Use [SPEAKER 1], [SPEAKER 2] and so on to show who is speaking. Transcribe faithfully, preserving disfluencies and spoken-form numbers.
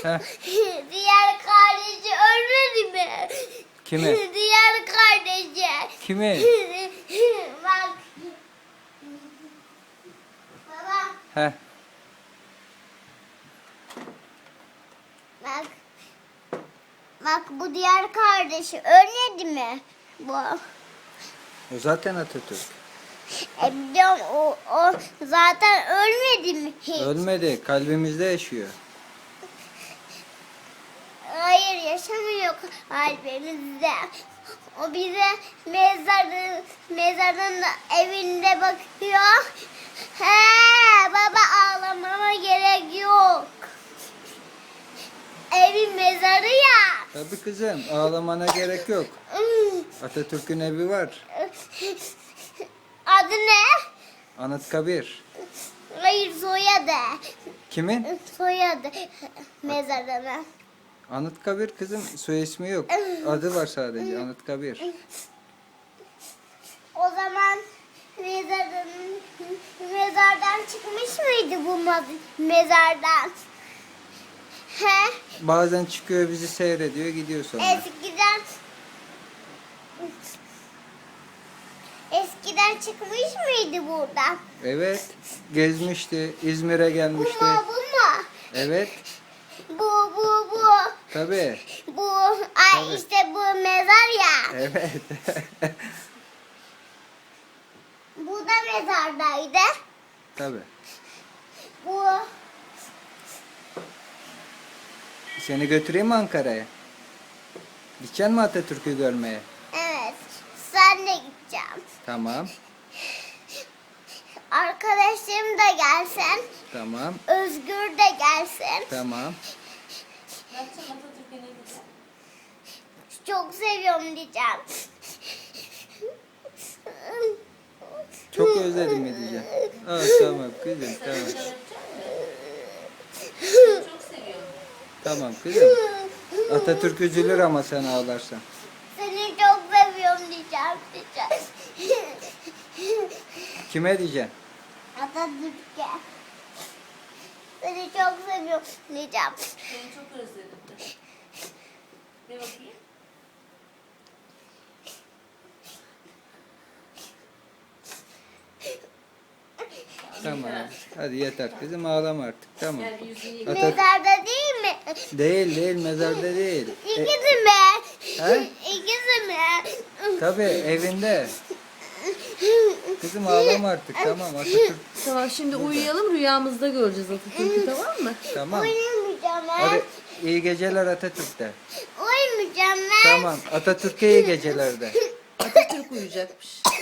[SPEAKER 1] Heh.
[SPEAKER 2] Diğer kardeşi ölmedi mi?
[SPEAKER 1] Kimi?
[SPEAKER 2] Diğer kardeşi.
[SPEAKER 1] Kimi?
[SPEAKER 2] Bak. Baba
[SPEAKER 1] Heh.
[SPEAKER 2] bak. Bak bu diğer kardeşi ölmedi mi? Bu.
[SPEAKER 1] O zaten Atatürk.
[SPEAKER 2] E biliyorum o, o zaten ölmedi mi hiç?
[SPEAKER 1] Ölmedi. Kalbimizde yaşıyor.
[SPEAKER 2] Hayır yaşamıyor kalbimizde. O bize mezarın, mezarın evinde bakıyor. He baba ağlamama gerek yok. Evin mezarı ya.
[SPEAKER 1] Tabii kızım. Ağlamana gerek yok. Atatürk'ün evi var.
[SPEAKER 2] Adı ne?
[SPEAKER 1] Anıtkabir.
[SPEAKER 2] Hayır soyadı.
[SPEAKER 1] Kimin?
[SPEAKER 2] Soyadı mezarına.
[SPEAKER 1] Anıtkabir kızım. Soy ismi yok. Adı var sadece. Anıtkabir.
[SPEAKER 2] O zaman mezardan, mezardan çıkmış mıydı bu ma- mezardan? He?
[SPEAKER 1] Bazen çıkıyor bizi seyrediyor gidiyor sonra.
[SPEAKER 2] Eskiden Eskiden çıkmış mıydı buradan?
[SPEAKER 1] Evet. Gezmişti. İzmir'e
[SPEAKER 2] Bu
[SPEAKER 1] gelmişti.
[SPEAKER 2] mu bu mu?
[SPEAKER 1] Evet.
[SPEAKER 2] Bu bu bu.
[SPEAKER 1] Tabii.
[SPEAKER 2] Bu ay
[SPEAKER 1] Tabii.
[SPEAKER 2] işte bu mezar ya.
[SPEAKER 1] Evet.
[SPEAKER 2] Bu da mezardaydı.
[SPEAKER 1] Tabii.
[SPEAKER 2] Bu
[SPEAKER 1] Seni götüreyim mi Ankara'ya? Gideceksin mi Atatürk'ü görmeye?
[SPEAKER 2] evet. Sen de gideceğim.
[SPEAKER 1] Tamam.
[SPEAKER 2] Arkadaşım da gelsin.
[SPEAKER 1] Tamam.
[SPEAKER 2] Özgür de gelsin.
[SPEAKER 1] Tamam.
[SPEAKER 2] Çok seviyorum diyeceğim.
[SPEAKER 1] Çok özledim mi diyeceğim. Aa, tamam kızım tamam.
[SPEAKER 3] Çok seviyorum.
[SPEAKER 1] Tamam kızım. Atatürk üzülür ama sen ağlarsan.
[SPEAKER 2] Seni çok seviyorum diyeceğim. diyeceğim.
[SPEAKER 1] Kime diyeceksin?
[SPEAKER 2] Atatürk'e. Seni çok seviyorum diyeceğim.
[SPEAKER 3] Seni çok özledim. De bakayım.
[SPEAKER 1] Tamam. Hadi yeter kızım ağlama artık. Tamam.
[SPEAKER 3] Gel bir yüzünü yıka.
[SPEAKER 1] Atatürk
[SPEAKER 2] Mezarda değil mi?
[SPEAKER 1] değil değil mezarda değil. E,
[SPEAKER 2] İkisi mi?
[SPEAKER 1] He?
[SPEAKER 2] İkisi mi?
[SPEAKER 1] tabii evinde. Kızım ağlama artık tamam Atatürk.
[SPEAKER 3] Tamam şimdi uyuyalım rüyamızda göreceğiz Atatürk'ü tamam mı?
[SPEAKER 1] Tamam.
[SPEAKER 2] Uyumayacağım ben.
[SPEAKER 1] Hadi iyi geceler Atatürk'te.
[SPEAKER 2] Uyumayacağım ben.
[SPEAKER 1] Tamam Atatürk'e iyi geceler de.
[SPEAKER 3] Atatürk uyuyacakmış.